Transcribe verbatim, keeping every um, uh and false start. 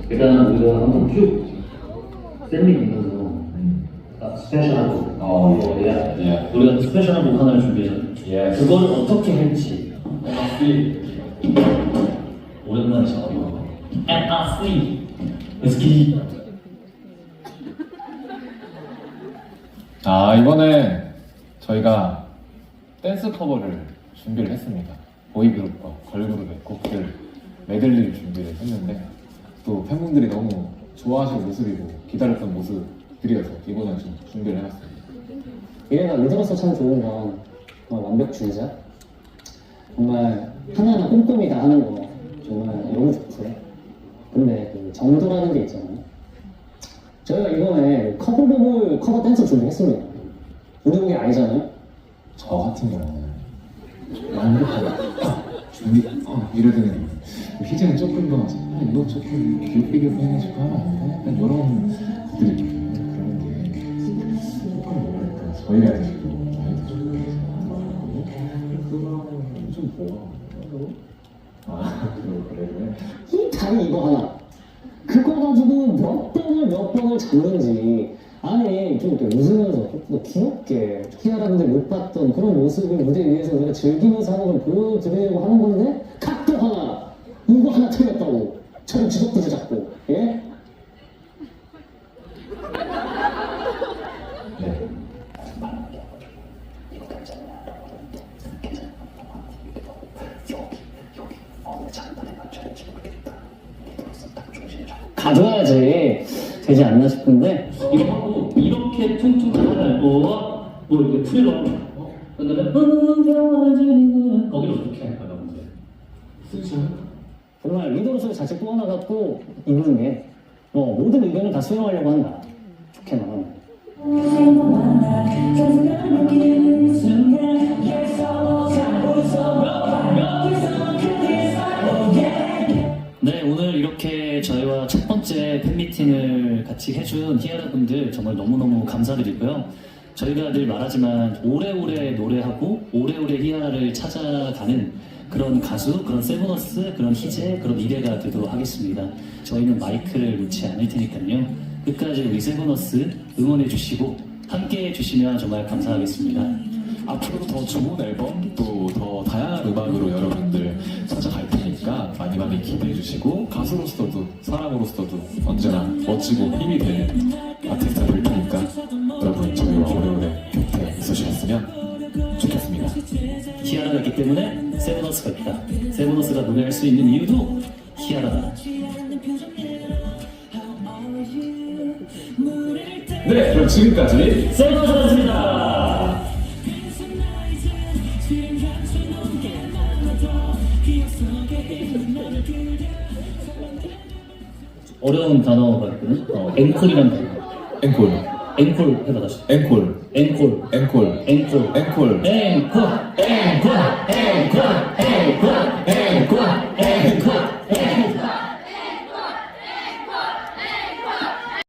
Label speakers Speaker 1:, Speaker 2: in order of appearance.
Speaker 1: 일단 우리가 한번 쭉 셀링 보면서 아, 스페셜한 곡.
Speaker 2: 어,
Speaker 1: 어, 예.
Speaker 2: 예.
Speaker 1: 우리가 스페셜한 곡 하나를 준비했잖아요.
Speaker 2: 예.
Speaker 1: 그걸 어떻게 할지. 오랜만이죠. And I see. Let's get it.
Speaker 2: 아, 이번에 저희가 댄스 커버를 준비를 했습니다. 보이그룹과 걸그룹의 곡들 메들리를 준비를 했는데 또 팬분들이 너무 좋아하시는 모습이고 기다렸던 모습들이어서 이번에 좀 준비를 해봤습니다.
Speaker 3: 이래가 리더로서 참 좋은 건 정말 완벽주의자? 정말 하나하나 꼼꼼히 다 하는 거 정말 너무 좋고요. 근데 그 정도라는 게 있잖아요. 저희가 이번에 커버곡을 커버 댄스 준비했습니다. 우리 곡이 아니잖아요.
Speaker 2: 저 같은 경우는 완벽하게 준비 어, 이러더니 희재는 조금 더 아, 이거 조금 귀엽게 해가지고 하면 안 돼? 약간 이런 것들이 좀 그런 게 조금 뭐랄까 저희가 해가지고 나이도 좀 그거는 좀 뭐? 아 그래 그래
Speaker 3: 이 다리 이거 하나 그거 가지고 몇 번을 몇 번을 잡는지 아니 좀 이렇게 웃으면서 좀 더 귀엽게 키아라분들 못 봤던 그런 모습을 무대 위에서 우리가 즐기면서 하는 걸 보여드리려고 하는 건데 각도 하나 이거 하나 틀렸다고 저를 주접부지 잡고 예?
Speaker 2: 네.
Speaker 3: 가져야지 되지 않나 싶은데
Speaker 1: 이거 하고 이렇게 퉁퉁 하고 뭐 이렇게 풀러 그다음에 흥겨워지는 거기를 어떻게 할까요, 문제?
Speaker 2: 쓰죠.
Speaker 3: 정말 리더로서 자체 또 하나 갖고 있는 게 뭐 모든 의견을 다 수용하려고 한다. 좋게 나가면. 네, 오늘 이렇게 저희와 첫 번째 팬미팅을 같이 해준 히아라 분들 정말 너무너무 감사드리고요. 저희가 늘 말하지만 오래오래 노래하고 오래오래 히아라를 찾아가는 그런 가수, 그런 세븐어스, 그런 희재, 그런 미래가 되도록 하겠습니다. 저희는 마이크를 놓지 않을 테니까요. 끝까지 우리 세븐어스 응원해 주시고 함께 해주시면 정말 감사하겠습니다.
Speaker 2: 앞으로도 더 좋은 앨범 또 더 다양한 음악으로 여러분들 찾아갈 테니까 많이 많이 기대해 주시고 가수로서도 사람으로서도 언제나 멋지고 힘이 되는 아티스트가 될 테니까 여러분 저희와 오래오래 곁에 있으셨으면 좋겠습니다.
Speaker 3: 히아라가 있기 때문에 세븐어스가 있다. 세븐어스가 노래할 수 있는 이유도 히아라다.
Speaker 2: 네, 그럼 지금까지
Speaker 3: 세븐어스였습니다. 어려운 단어가 있거든. 어, 앵콜이란 단어.
Speaker 2: 앵콜
Speaker 3: 앵콜 해봐 다시.
Speaker 2: 앵콜
Speaker 3: 앵콜.
Speaker 2: 앵콜
Speaker 3: 앵콜.
Speaker 2: 앵콜
Speaker 3: 앵콜. 앵콜.